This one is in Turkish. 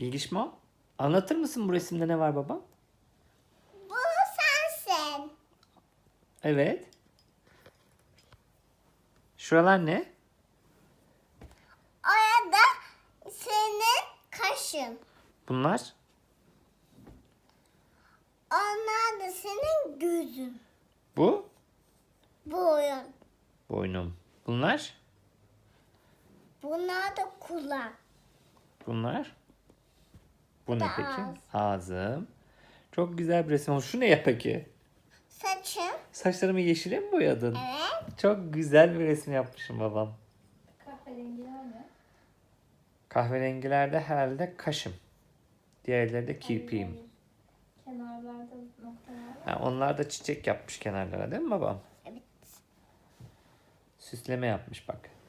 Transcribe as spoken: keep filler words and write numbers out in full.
Bilgişmo, anlatır mısın bu resimde ne var baba? Bu sensin. Evet. Şuralar ne? Orada senin kaşın. Bunlar? Onlar da senin gözün. Bu? Boyun. Boynum. Bunlar? Bunlar da kulak. Bunlar? Bu ne da peki? ağız. Ağzım. Çok güzel bir resim olmuş. Şu ne ya peki? Saçım. Saçlarımı yeşile mi boyadın? Evet. Çok güzel bir resim yapmışım babam. Kahverengiler mi? Kahverengilerde herhalde kaşım. Diğerleri de kirpiğim. Kenarlarda noktalar var. Ha, onlar da çiçek yapmış kenarlara değil mi babam? Evet. Süsleme yapmış bak.